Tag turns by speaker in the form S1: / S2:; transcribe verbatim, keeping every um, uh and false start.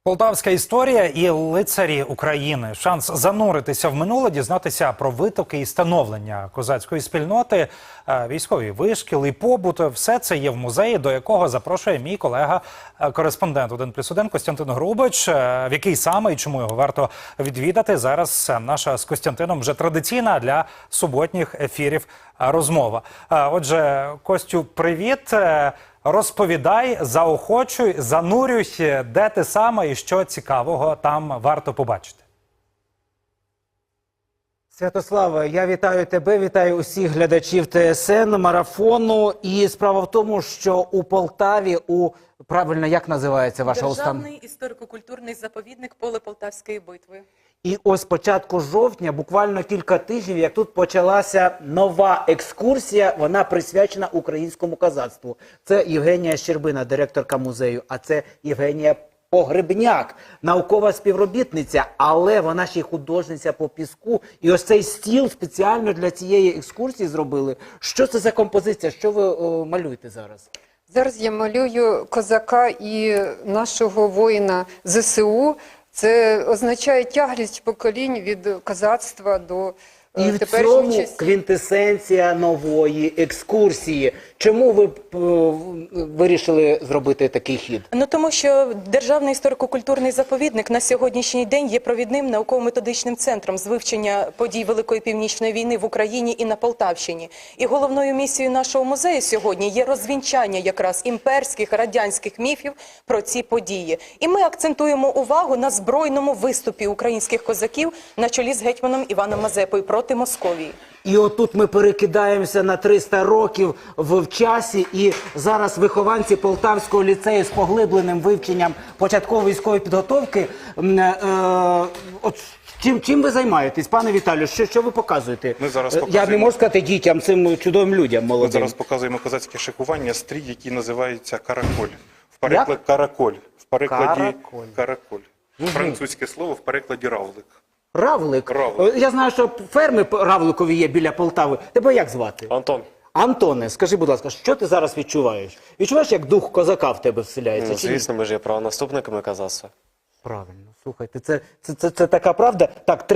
S1: Полтавська історія і лицарі України. Шанс зануритися в минуле, дізнатися про витоки і становлення козацької спільноти, військові вишкіл і побут. Все це є в музеї, до якого запрошує мій колега-кореспондент один плюс один Костянтин Грубич. В який саме і чому його варто відвідати, зараз наша з Костянтином вже традиційна для суботніх ефірів розмова. Отже, Костю, привіт! Розповідай, заохочуй, занурюй, де ти саме і що цікавого там варто побачити.
S2: Святославе, я вітаю тебе, вітаю усіх глядачів ТСН, марафону. І справа в тому, що у Полтаві, у, правильно, як називається ваша установа?
S3: Державний історико-культурний заповідник «Поле Полтавської битви».
S2: І ось початку жовтня, буквально кілька тижнів, як тут почалася нова екскурсія, вона присвячена українському козацтву. Це Євгенія Щербина, директорка музею, а це Євгенія Погребняк, наукова співробітниця, але вона ще й художниця по піску. І ось цей стіл спеціально для цієї екскурсії зробили. Що це за композиція? Що ви о, малюєте зараз?
S4: Зараз я малюю козака і нашого воїна ЗСУ. Це означає тяглість поколінь від козацтва до
S2: І
S4: е,
S2: в
S4: теперішньої
S2: цьому
S4: часів.
S2: квінтесенція нової екскурсії. Чому ви е, вирішили зробити такий хід?
S3: Ну тому що Державний історико-культурний заповідник на сьогоднішній день є провідним науково-методичним центром з вивчення подій Великої Північної війни в Україні і на Полтавщині. І головною місією нашого музею сьогодні є розвінчання якраз імперських, радянських міфів про ці події. І ми акцентуємо увагу на збройному виступі українських козаків на чолі з гетьманом Іваном Мазепою проти Московії.
S2: І отут ми перекидаємося на триста років в часі, і зараз вихованці Полтавського ліцею з поглибленим вивченням початкової військової підготовки. Е, е, от чим, чим ви займаєтесь, пане Віталію? Що, що ви показуєте?
S5: Ми зараз
S2: Я
S5: показуємо-
S2: не можу сказати дітям, цим чудовим людям
S5: Ми
S2: молодим.
S5: зараз показуємо козацьке шикування, стрій, який називається караколь. В перекладі
S2: Як?
S5: караколь. В перекладі
S2: Караколь.
S5: караколь. Французьке слово, в перекладі равлик.
S2: Равлик.
S5: Равлик.
S2: Я знаю, що ферми равликові є біля Полтави. Тебе як звати?
S6: Антон,
S2: Антоне, скажи, будь ласка, що ти зараз відчуваєш? Відчуваєш, як дух козака в тебе вселяється?
S6: ну,
S2: чи ні?
S6: звісно, ми ж є правонаступниками козацтва.
S2: Правильно, слухайте, це, це, це, це така правда. Так,